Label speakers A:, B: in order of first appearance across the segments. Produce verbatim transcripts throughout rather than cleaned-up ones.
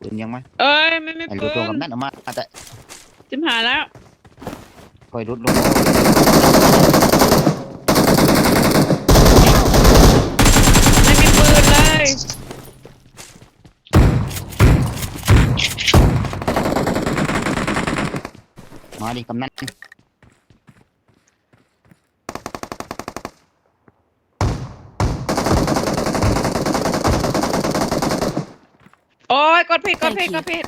A: ปืนยังไหม
B: เอ้ยไม่ไม่
A: ไอ้
B: ปื
A: รูดลง
B: น
A: กับนั่นออกมาแต่
B: จิมหายแล้ว
A: คอยรูดลง
B: ไม่มีปืนเลย
A: มาดิกำนัน
B: โอ้ยกดผิดกดผิดกดผิด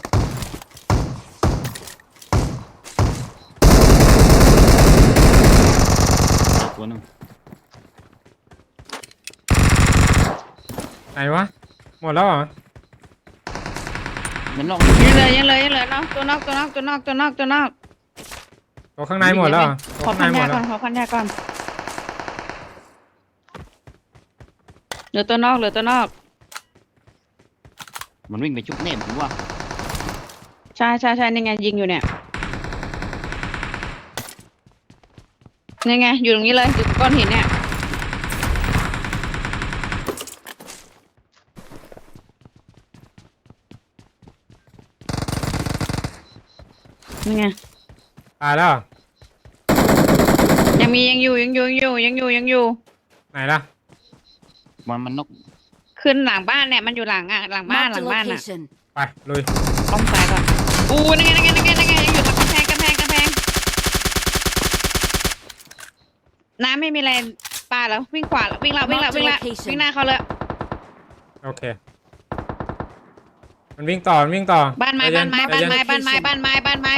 A: ตัวหนึง
C: ไหนวะหมดแล้วเหรอ
A: มันลอง
B: ยังเลยยังเลยยังเลยเนาะตัวนอกตัวนอกตัวนอกตัวนอกตัวนอก
C: ตัวข้างในหมดแล้วเหรอ
B: ขอ
C: ตัวข้างใน
B: พัน
C: หม
B: ยา
C: ด แล้ว
B: ก่อนขอพันยาก่อนเหลือตัวนอกเหลือตัวนอก
A: มันวิ่งไปชุบเน่ผมว่า
B: ใช่ใช่ใช่นี่ไงยิงอยู่เนี่ยนี่ไงอยู่ตรงนี้เลยอยู่ก้อนหินเนี่ยนี่ไง
C: ตายแล้วเหรอ
B: ยังมียังอยู่ยังอยู่ยังอยู่ยังอยู่ยังอยู่
C: ไหนล่ะ
A: มันมันนก
B: ขึ้นหลังบ้านเนี่ยมันอยู่หลังอ่ะหลังบ้าน
D: Marked
B: หลั
D: a
B: งบ้านอ่ะ
D: location.
C: ไปลุย
B: ต้องซ้ายก่อนอู้นั่นไงนั่นไงนั่นไงนั่นไงยังอยู่ตรงกำแพงกำแพงกำแพงน้ำไม่มีอะไรปลาแล้ววิ่งขวาวิ่งละวิ่งละวิ่งละวิ่งหน้าเขาเลย
C: โอเคมันวิ่งต่อมันวิ่งต่อ
B: บ้านไม้
C: ใจเย็
B: บ้านไม้
C: ใจ
B: บ้าน
C: เย็
B: ไม้บ้านไม้บ้านไม้บ้านไม้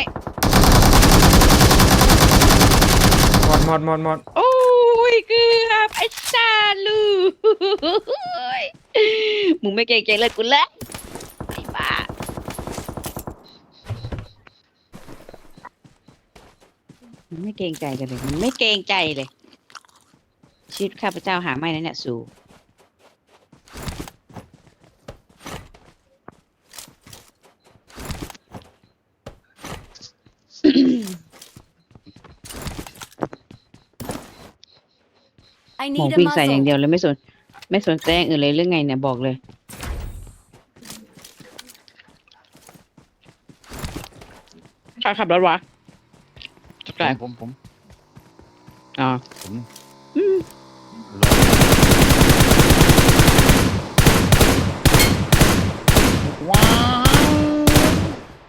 C: หมดหมดหมดหมด
B: โอ้ยเกือบไอ้ชาลูมึงไม่เก่งใจเลยกูเลยไอ้บ้ามันไม่เกรงใจกันเลยมันไม่เกรงใจเลยชีวิตข้าพเจ้าหาไม่นะเนี่ยสู่
D: I
B: หมอ
D: need a
B: วิ่งใส่อย่าง
D: muzzle.
B: เดียวเลยไม่สนไม่สนใจอย่างอื่นเลยเรื่องไงเนี่ยบอกเลยใครขับรถวะจักร
A: ผมผม
B: อ๋อ
A: ผม
B: อืม
A: ว้าว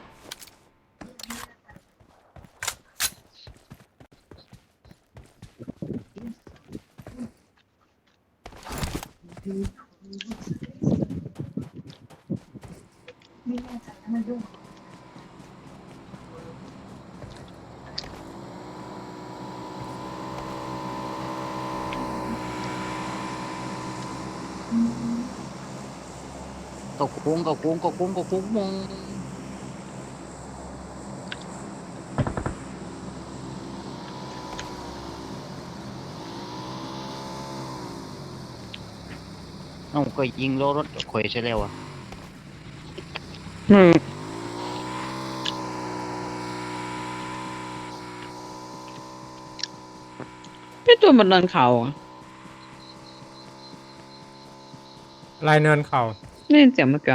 A: ก็โค้งก็โค้งก็โค้งก็โค้งมองเอ้าก็ยิงล้อรถข่อยใช่แล้วอ่ะ
B: อืมพี่ตัวมันเดินเขาอะ
C: ลายเนินเข่า
B: ได้ยินเสียงเมื่อกี้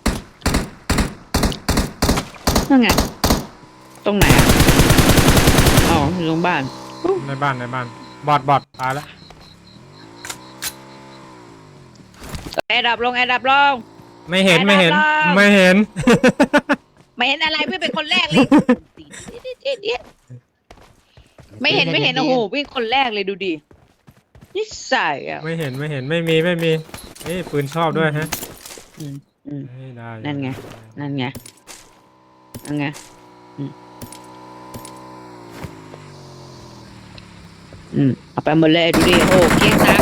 B: นั่นไงตรงไหนอ่ะอ๋ออยู่ตรงบ้าน
C: ในบ้านในบ้านบอดบอดตายแล้ว
B: แอร์ดับลงแอร์ดับลง
C: ไม่เห็นไม่เห็น
B: ไปด้านล่าง
C: ไม่เห็น
B: ไม่เห็นอะไรเพื่อนเป็นคนแรกเลย ไม่เห็นไม่เห็นโอ้โหวิ่งคนแรกเลยดูดินิสัยอ่ะ
C: ไม่เห็นไม่เห็นไม่มีไม่มีเอ้ยปืนชอบด้วยฮะ
B: อืมอืม
C: เฮ้ยได้
B: นั่นไง นั่นไงนั่นไงอืมอืมเอาไปหมดเลยดูดิโอ้เกลี้ยงซัก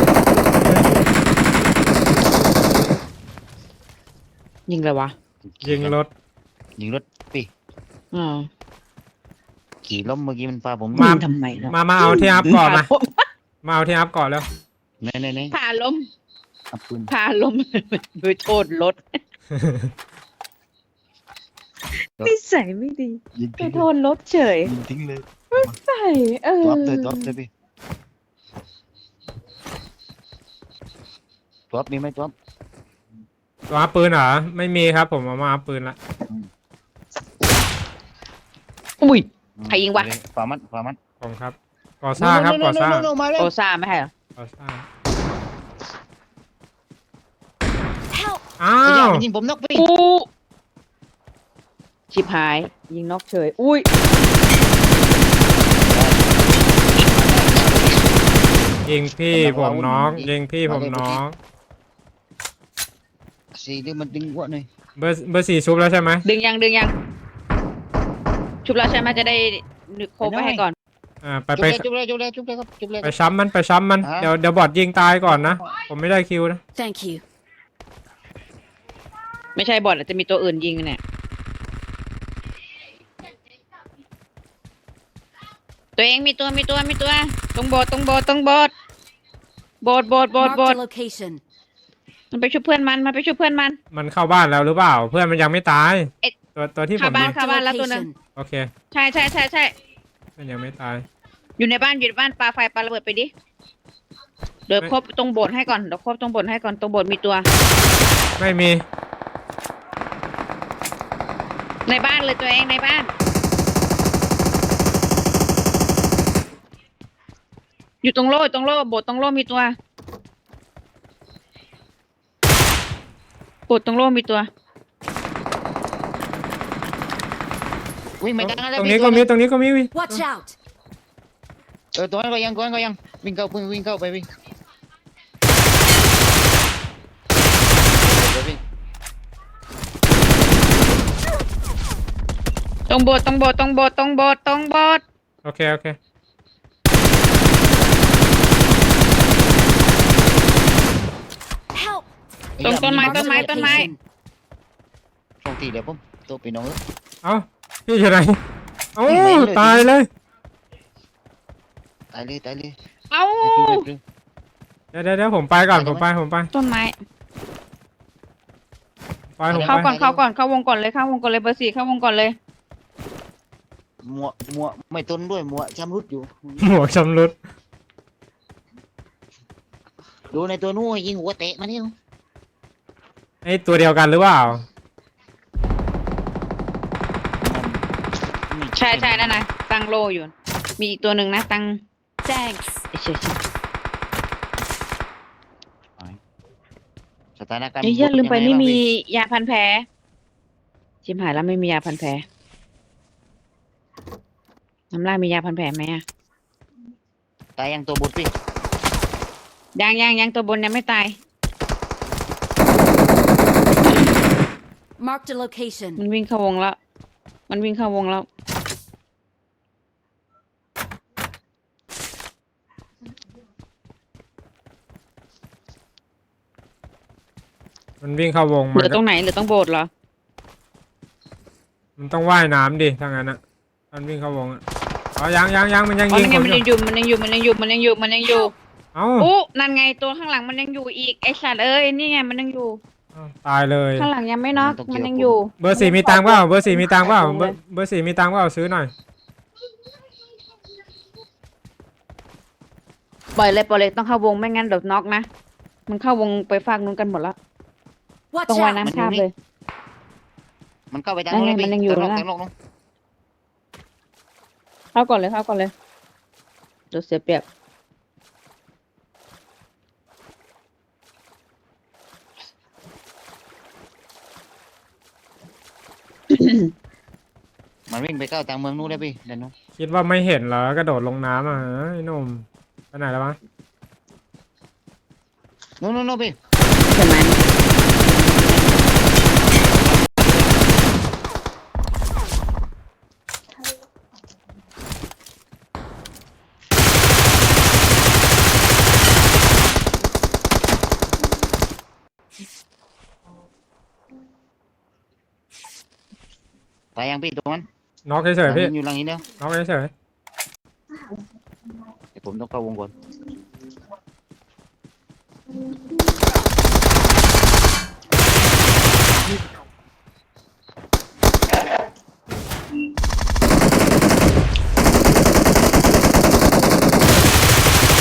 B: ยิงเลยวะ
C: ยิงรถ
A: ยิงรถปี
B: อ๋อ
A: ขี่ล้มเมื่อกี้มันพาผม
B: ยิงทำไมเนาะ
C: มามาเอาที่อัพก่อนมา
B: ผ่
C: มาเอาที่อัพก่อนแล้ว
A: เน่เน่เน่
B: ผ่าล้ม
A: เอาปืน
B: ผ่าล้ม โดยโทษรถนิสัยไม่ดี
A: ยิง
B: ไป
A: ทิ้ง
B: โทษรถเฉย
A: ยิงทิ้งเลย
B: ใส่เออ
A: ตัวอัพเลยตัวอัพเลยพี่ตัวอัพมีไหมตัวอัพ
C: รตัวอัพปืนเหรอไม่มีครับผมเอามาอัพปืนละ
B: อุ้ย ใครยิงวะ
A: ฝามันฝามัน
C: ผมครับก่อสร้างครับก่อสร้าง
A: โน่ๆๆๆๆมาแล้ว
B: โอซ่าไม่ใช่เหรอ
C: ก่อสร้าง
D: Help!
C: อ้า
A: ไอ้ยาว มันยิงผมนกพี่
B: อู้ชิบหาย ยิงนกเฉย อุ้ย
C: ยิงพี่ผมน้องยิงพี่ผมน้อง
A: สี่เดี๋ยวมันดึงหัวหน่อย
C: เบอร์เบอร์สี่ชุบแล้วใช่ไหม
B: ดึงยังดึงยัง ชุบแล้วใช่ไหมจะได้นึกโคบไว้ให้ก่อน
C: อ่าไป
A: จุบ
C: ไป
A: เลยจุบเลยจุบเลยจุบเลยครับจุบเลย
C: ไปช้ำมันไปช้ำมัน
A: อ่ะ
C: เดี๋ยวเดี๋ยวบอดยิงตายก่อนนะผมไม่ได้คิวนะ
D: Thank you.
B: ไม่ใช่บอทอาจจะมีตัวอื่นยิงเนี่ย ตัวเองมีตัวมีตัวมีตัว ตรงโบสถ์ตรงโบสถ์ตรงโบสถ์โบสถ์โบสถ์โบสถ์
D: Marked
B: โบส
D: a
B: ถ์
D: location.
B: มันไปช่วยเพื่อนมันมันไปช่วยเพื่อนมัน
C: มันเข้าบ้านแล้วหรือเปล่า เพื่อนมันยังไม่ตาย
B: เอ๊ะ
C: ตัวตัวที่ผม
B: เข้าบ้าน
C: ยิง
B: เข้าบ้านแล้วตัวหนึง
D: Location.
C: โอเค
B: ใช่ใช่ใช่ใช่
C: เพื่อนยังไม่ตาย
B: อยู่ในบ้านอยู่ในบ้านปาไฟปาระเบิดไปดิ เดี๋ยวครบตรงโบสถ์ให้ก่อนเดี๋ยวครบตรงโบสถ์ให้ก่อนตรงโบสถ์มีตัว
C: ไม่มี
B: ในบ้านเลยตัวเองในบ้าน อยู่ตรงโล่ตรงโล่โบสถ์ตรงโล่มีตัวโบสถ์ตรงโล่มีตัว
A: วิ่งไปกลางแล้ว
C: ตรงนี้ก็มีตรงนี้ก็มี
D: Watch out!
A: เออตัวนั้นก็ยังตัวนั้นก็ยังวิ่งเข้าวิ่งวิ่งเข้าไปวิ่งเดี๋ยววิ่ง
B: ตรงโบสถ์ตรงโบสถ์ตรงโบสถ์ตรงโบสถ์ตรงโบสถ์
C: โอเคโอเค
D: Help!
B: ตรงต้นไม้
D: Marked
B: ต้
D: a
B: นไม้ต้นไม้
D: location.
A: โชคดีเดี๋ยวผมตัวปีน้องเอ้ย
C: เอ้าพี่อยู่ไหนเอ้า
A: ไม่เลย
C: ตายเลย
A: ตายเลยตายเลย
B: เอ้า
A: เดี๋ยวเดี๋ยวเดี๋ยว
C: เดี๋ยวเดี๋ยวเดี๋ยวผมไปก่อนผมไปผมไป
B: ต้นไม้
C: ไปผม
B: เข้า
C: ไป
B: ก่อนเข้าก่อนเข้าวงก่อนเลยเข้าวงก่อนเลยเบอร์สี่เข้าวงก่อนเลย
A: หมวกหมวกไม่ต้นด้วยหมวกชำรุดอยู่
C: หมวกชำรุด
A: ดูในตัวนู้นยิงหัวเตะมาเนี่ย
C: ไอตัวเดียวกันหรือเปล่า
B: ใช่ใช่นั่นนะตั้งโลอยู่ มีอีกตัวหนึ่งนะตั้ง
D: Thanks.
B: เอ้ยเชี่ยเชี่ย
A: สถานการณ์
B: เอ้ยอย่าลืมไป
A: ยังง
B: ไม่มี
A: บ้างพี่
B: ยาพันแผลชิมหายแล้วไม่มียาพันแผลน้ำลายมียาพันแผลไหมอะ
A: ตายยังตัวบุตรพี่
B: ยังยังยังตัวบนยังไม่ตาย
D: Marked a location.
B: มันวิ่งเข้าวงแล้ว มันวิ่งเข้าวงแล้ว
C: มันวิ่งเข้าวง
B: เห
C: มั
B: ลื
C: น
B: อตรงไหนเหลือตรงโบสถ์เหรอ
C: มันต้องว่ายน้ำดิถ้างั้นอ่ะมันวิ่งเข้าวงอ่ะอ๋อยังยังยังมันยัง
B: อ๋อ
C: ยิง
B: นั่นไง
C: ผม
B: มัน
C: อ
B: ยังอยู่ ยู่มันยังอยู่มันยังอยู่มันยังอยู่มันยังอยู่
C: เอ้า
B: อู้นั่นไงตัวข้างหลังมันยังอยู่อีกไอสัตว์เอ้ยนี่ไงมันยังอยู่
C: เอ้าตายเลย
B: ข้างหลังยังไม่น็อกมันยังอยู่
C: เบอร์สี่มีตังค์เปล่าเบอร์สี่มีตังค์เปล่าเบอร์เบอร์สี่มีตังค์เปล่าซื้อหน่อย
B: ปล่อยเลยปล่อยเลยต้องเข้าวงไม่งั้นเดี๋ยวน็อกนะ มันเข้าวงไปฝากนู้นกันหมดแล้ว
D: Watch
B: ต้องว่าย
D: out!
B: น้ำข้ามเลย
A: มันเข้าไปทาง
B: นั่น
A: นู้น
B: ไง
A: เลยพี่
B: มันยังอยู่
A: เติมล
B: นะ
A: เติมลงลง
B: เข้าก่อนเลยเข้าก่อนเลยเดี๋ยวเสียเปรียบ
A: มันวิ่งไปเข้าทางเมืองนู้นเลยพี่เดี๋ยวนู้น
C: คิดว่าไม่เห็นเหรอกระโดดลงน้ำอ่ะไอ้หนุ่มไปไหนแล้ววะ
A: นู้นนู้นนู้นพี่
B: ใช่ไหม
A: ตายยังพี่ตรงนั้น
C: น็อกเฉยๆพี่
A: มันอยู่หลังนี้แล้ว
C: น็อกเฉย
A: เดี๋ยวผมต้องเข้าวงก่อน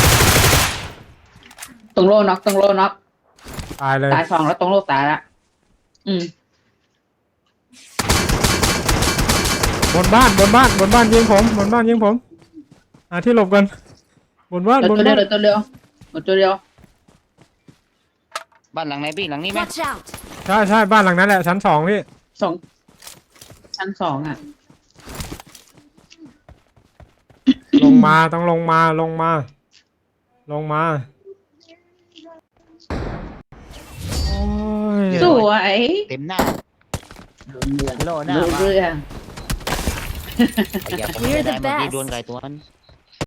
B: ตรงโลน็อกตรงโลน็อก
C: ๆตายเลย
B: ตายสองแล้วตรงโลตายละอืม
C: บนบ้านบนบ้านบนบ้านยิงผมบนบ้านยิงผมหาที่หลบกันบนบ้าน
B: เหลือบ
C: น
B: ตัวเดีย
C: บ้า
B: วน เหลือตัวเดียวเหลือตัวเดียว
A: บ้านหลังไหนพี่หลังนี้ไหม
D: Watch out!
C: ใช่ใช่บ้านหลังนั้นแหละชั้นสองพี่
B: สองชั้นสองอ่ะ
C: ลงมาต้องลงมาลงมา ลงมาโอ้ย
B: สวย
A: เต็มหน้า
B: โดนเรือง
A: โลหน้า
B: โดน
A: มา
B: เรือง
A: อย่าผมไม่ได้เมื่อกี้โดนไก่ตัวนั้น